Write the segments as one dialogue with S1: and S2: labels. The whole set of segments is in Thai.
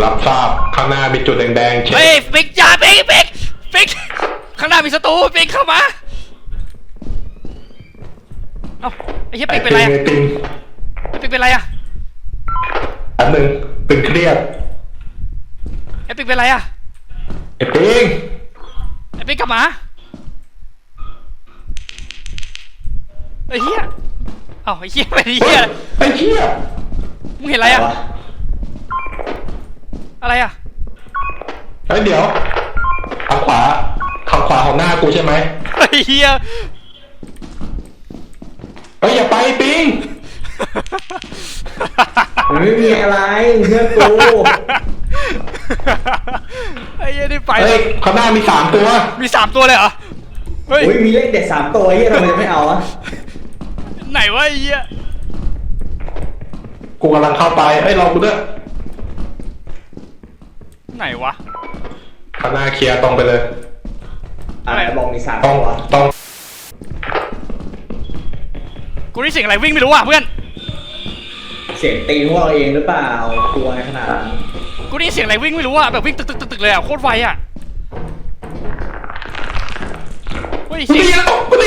S1: รับทราบข้างหน้ามีจุดแดงๆเช็ค
S2: เฮ้ยปิกจ่าปิกข้างหน้ามีศัตรูปิกเข้ามาเอ้าไอ้เหี้ยปิกเป็นไรอะ
S1: ไอ้ปิง
S2: ปิกเป็นไรอะ
S1: อันหนึ่งตึงเครียด
S2: ไอ้ปิกเป็นไรอะ
S1: ไอ้ปิง
S2: ไอ้ปิกกลับมาไอ้เหี้ยเอ้าไอ้เหี้ยเป็นไอ้เหี้ย
S1: ไอ้เหี้ย
S2: มึงเห็นอะไรอะอะไรอะ
S1: เฮ้ยเดี๋ยวทางขวาของหน้ากูใช่ไหม
S2: ไอ้เหี้ย
S1: เฮ้ยอย่าไปปิง
S3: มันไม่มีอะไรเพื่อนกู
S2: ไอ้เหี้ยนี่ไป
S1: เฮ้ยข้างหน้ามี3 ตัว
S2: มี3 ตัวเลยเหรอเฮ้ย
S3: โอ้ยมีเลขเด็ด3 ตัวเฮียทำไมจะไม่เอาอะ
S2: ไหนวะไอ้เหี้ย
S1: กูกำลังเข้าไปเฮ้ยรอกูด้วย
S2: ไหนวะ
S1: ข้างหน้าเคลียร์ตรงไปเลย
S3: อะไรบอกมี3
S1: ต้อง
S3: ตัว
S1: ต้อง
S2: กูได้เสียงอะไรวิ่งไม่รู้อ่ะเพื่อน
S3: เสียงตีนพวกเราเองหรือเปล่ากลัวในขนาดนั้น
S2: กูได้ยินเสียงอะไรวิ่งไม่รู้อ่ะแบบวิ่งตึกเลยอ่ะโคตรไวอ่ะเฮ้ย
S1: กู
S2: เสียง
S1: ตีแล้วกูตี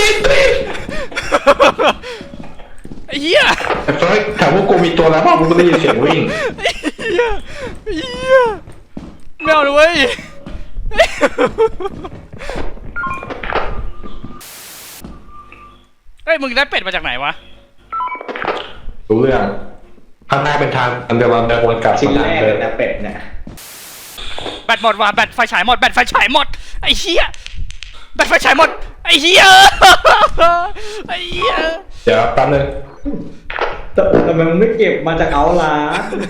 S2: ไอ้เหี้ย
S1: ไอ้เฟิร์สถามว่ากูมีตัวแล้วเปล่ากูได้ยินเสียงวิ่ง
S2: ไอ้เหี้ยไอ้เหี้ยไม่เอาเลยเว้ยเฮ้ยมึงได้เป็ดมาจากไหนวะ
S1: รู้เรื่องข้างหน้าเป็นทางอันเดียวกันเดินวนกลับ
S3: ชิ้น
S1: มา
S3: แร
S1: ทาง
S3: ก
S1: เดิ
S3: เล
S1: ม
S3: ยนะเป็ดเนี่ย
S2: แบตหมดว่ะแบตไฟฉายหมดแบตไฟฉายหมดไอ้เหี้ยแบตไฟฉายหมดไอ้เหี้ยไอ้เหี้ย
S1: เดี๋ยวแป๊บนึง
S3: แต่ทำไมมึงไม่เก็บมาจากเอาล่ะ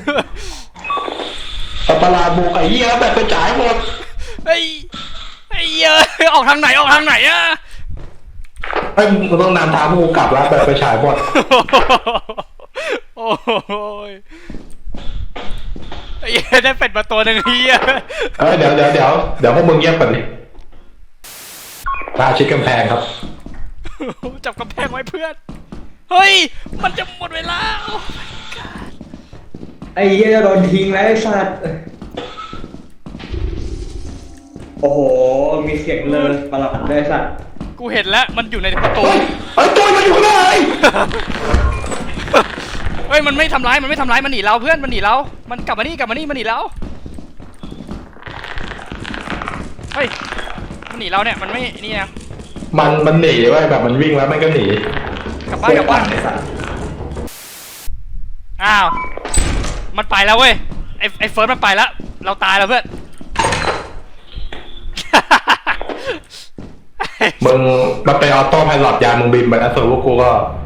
S1: สัตว์ประหลาดบุกไอ้เหี้ยแบบกระจายหมด
S2: ไอ้เหี้ยออกทางไหนอะ
S1: ไอ้ยมึงต้องนำทางพวกกูกลับแล้วแบบกระจายหมด
S2: โอ้ยไอ้เหี้ยได้เป็ดมาตัวหนึ่งเฮีย
S1: เอ้ยเดี๋ยวพวกมึงเงียบก่อนดิตาชิดกำแพงครับ
S2: จับกำแพงไว้เพื่อน เฮ้ย มันจะหมดเวลาโอ้ my god
S3: ไอ้เหี้ยจะโดนทิ้งแล้วไอ้สัตว์โอ้โหมีเสียงเลยประหลาดด้วยไอ้สัตว์
S2: กูเห็นแล้วมันอยู่ในประตู
S1: เฮ้ยตัวมันอยู่ไหน
S2: เฮ้ยมันไม่ทำร้ายมันหนีเราเพื่อนมันหนีเรา มันกลับมานี่มันหนีเราเฮ้ยมันหนีเราเนี่ยมันไม่นี่นะ
S1: มันหนีไว้ยแบบมันวิ่งแล้วมันก็หนี
S2: กลับบ้าน
S3: ไอ้สัตว์
S2: อ้าวมันไปแล้วเว้ยไอ้เฟิร์สมันไปแล้วเราตายแล้วเพื่อน
S1: มึงมันเป็นออโต้ไพลอตยานมึงบินไปแล้วส่วนพวกกูก็